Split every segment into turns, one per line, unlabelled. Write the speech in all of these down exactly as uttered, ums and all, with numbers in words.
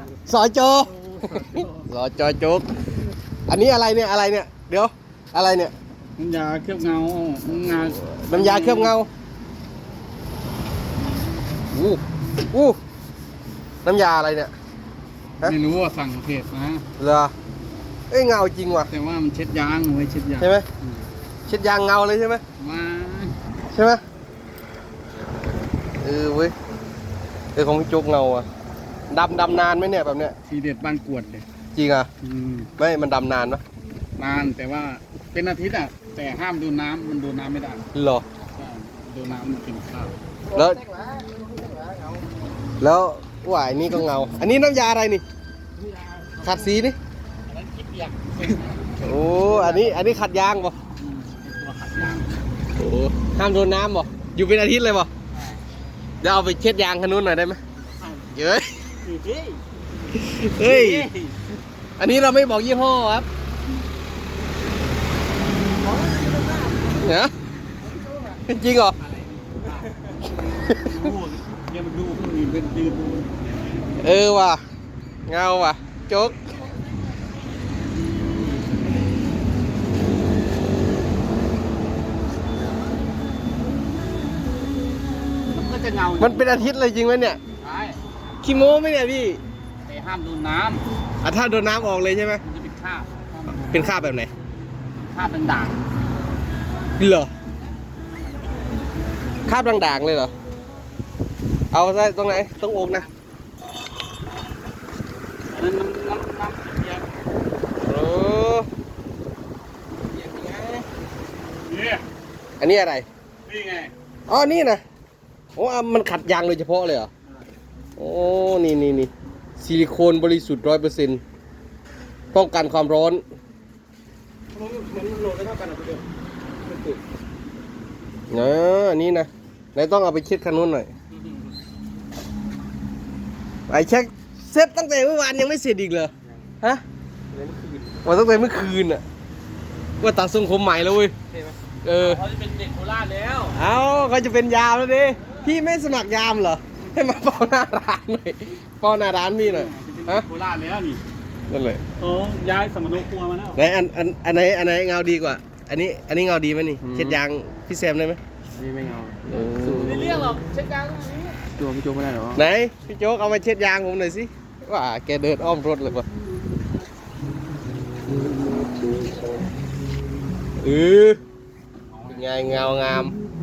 สอจอสอจอจุกอันนี้อะไรเนี่ยอะไรเนี่ยเดี๋ยวอะไรเนี่ย
น้ำยาเคลือบเงาน้ำยา
น้ำยาเคลือบเงาอู้อู้น้ำยาอะไรเนี่ย
ไม่รู้ว่าสั่งเพจนะ
เหรอเอ้ยเงาจริงว่ะ
แต่ว่ามันเช็ดยางไว้เช็ดยาง
ใช่ไหมเช็ดยางเงาเลยใช่ไหม
มา
ใช่ไหมเออเว้ยเออของพี่จุกเงาอ่ะดำดำนานไหมเนี่ยแบบเนี้ย
ทีเด็ดบ้านกวดเลย
จริงอ่ะไม่มันดำนานปะ
นานแต่ว่าเป็นอาทิตย์อ่ะแต่ห้ามดูน้ำมันดูน้ำไม่ได้
หรอ
ดูน้ำมันกินข้าว
แล้วแล้วว่าอันนี้ก็เงาอันนี้น้ำยาอะไรนี่ขัดสีนี่โอ้อันนี้อันนี้ขัดยางป่ะโอ้ห้ามโดนน้ำป่ะอยู่เป็นอาทิตย์เลยป่ะเดี๋ยวเอาไปเช็ดยางคันนู้นหน่อยได้ไหมเย้ยเฮ้ยอันนี้เราไม่บอกยี่ห้อครับเนี่ยจริงเหรอ
เนี่ยมันดูคนอื่นเป็นดื้อ
เออว่ะเงาว่ะโจ๊ก
มันก็จะเงา
มันเป็นอาทิตย์เลยจริงไหมเนี่ย
ใช่
ขี้โม้ไหมเนี่ยพี่
แต่ห้ามโดนน้
ำอ่ะถ้าโดนน้ำออกเลยใช่ไหม
มันจะเป็นคราบ
เป็นคราบแบบไหน
คราบเป็นด่าง
เหรอคราบด่างๆเลยเหรอเอาได้ตรงไหนตรงอกนะ
อันนั้นน้ำน้ำเปียก
โอ้
นี่
อันนี้อะไร
นี่ไง
อ๋อนี่นะโอ้มันขัดยางโดยเฉพาะเลยเหรอโอ้นี่นี่นี่ซิลิโคนบริสุทธิ์ร้อยเปอร์เซ็นต์ป้องกันความร้อนมันโหลดได้เท่ากันอ่ะเดียวเนอะอันนี้นะไหนต้องเอาไปเช็ดคันนู้นหน่อยไอ้เช็คเสร็จตั้งแต่เมื่อวานยังไม่เสร็จอีกเหรอฮะว่าตั้งแต่เมื่อคืนอ่ะว่าตัดทรงผมใหม่แล้วเว้ยเออ
เขาจะเป็นเด็กโคราชแล้ว
เอ้าเขาจะเป็นยามแล้วดิพี่ไม่สมัครยามเหรอให้มาเฝ้าหน้าร้านหน่อยเฝ้าหน้าร้านพี่หน่อย
ฮะโคราชแล้วนี่
นั่นเลย
โอ้ย้ายสมณครัวมาแล้ว
ไหนอันอันอันไหนอันไหนเงาดีกว่าอันนี้อันนี้เงาดีไหมนี่เช็ดยางพี่แซมได้ไหม
นี่ไม่เงา
ไม่
เรียกหรอกเช็ดยางตรงนี้ตัวพี่โจ๊กไม่ได้หรอ
ไหนพี่โจ๊กเอามาเช็ดยางผมหน่อยสิว่าแกเดินอ้อมรถเลยป่ะเออไงเงางาม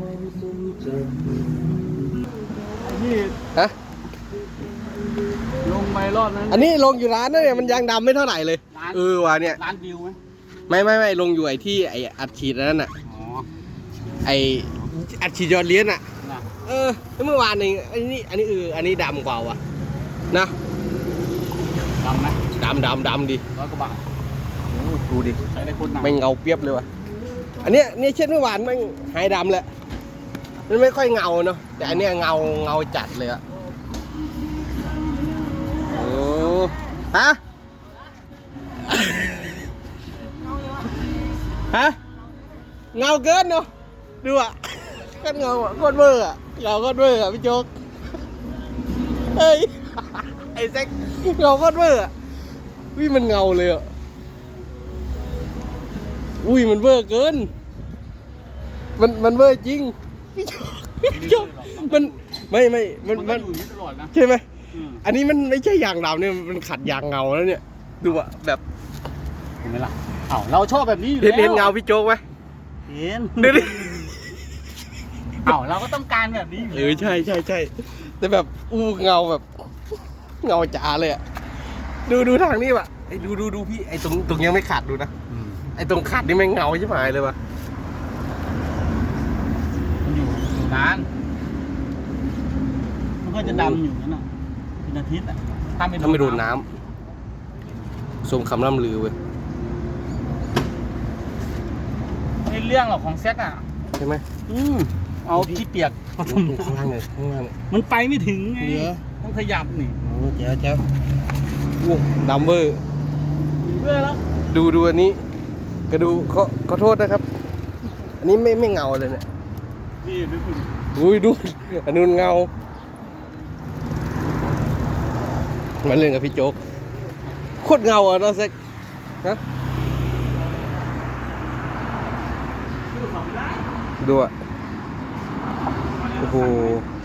ฮะ
ลงไปรอดนั้น
อันนี้ลงอยู่ร้านนั่นเนี่ยมันยางดำไม่เท่าไหร่เลยเออว่ะเนี่ย
ร้านวิวไหม
ไม่ไม่ไม่ลงอยู่ไอ้ที่ไอ้อัดฉีดนั่นน่ะไอ้อัดฉีดยอดเลี้ยนอ่ะเออเมื่อวานเองอันนี้อันนี้เอออันนี้ดำกว่าวะนะ
ดำไหม
ดำดำดำดิ
ร้อยกว่าบาท
ดูดิ
ใช้ได้คนหนัก
ไม่เงาเปียบเลยวะอันเนี้ยเนี่ยเช่นเมื่อวานมันหายดำแหละมันไม่ค่อยเงาเนาะแต่อันเนี้ยเงาเงาจัดเลยอะโอ้ฮะฮะเงาเกินเนาะดูอ่ะกันเงาอ่ะโคตรเบอร์อ่ะเงาโคตรเบอร์อ่ะพี่โจ๊กเฮ้ยไอ้แซกเงาโคตรเบอร์อ่ะวิมันเงาเลยอ่ะอุ้ยมันเบอร์เกินมันมันเบอร์จริงพี่โจ๊กมันไม่ไม่มันมันใช่ไหมอันนี้มันไม่ใช่ยางดำเนี่ยมันขัดยางเงาแล้วเนี่ยดูอ่ะแบบ
เห็นไหมล่ะเอ้าเราชอบแบบนี้อยู่
แล้วเห็นเงาพี่โจ๊กไหม
เห็นเดี๋ยวเอ้าเราก็ต้องการแบบนี้
เออใช่ใช่ใช่แต่แบบอู้เงาแบบเงาจ๋าเลยอ่ะดูดูทางนี้ว่ะไอ้ดูดูดูพี่ไอ้ตรงตรงยังไม่ขาดดูนะไอ้ตรงขาดนี่ไม่เงาใช่ไหมเลยว่ะ
มันอยู่นานมันก็จะดำอยู่นั่นน่ะเป็นอาทิตย์อ่ะ
ถ้าไม่โดนน้ำทรงคำล่ำลือเว้ย
ไม่เรื่องหรอกของแซกอ่ะ
ใช่ไหม
อืมเอาขี้เปียก
ข้างล่างเลยข้างล่าง
มันไปไม่ถึงไงต้องขยับนี่
โอ้เจ้าเจ้าโอ้ดำเบอร์
เบอร์แล้ว
ดูดูอันนี้ก็ดูขอขอโทษนะครับอันนี้ไม่ไม่เงาเลยเนี่ย
นี่ดู
อุ้ยดูอันนู้นเงามาเล่นกับพี่โจ๊กโคตรเงาอ่ะเนาะเซ็กฮะดูอ่ะโอ้โห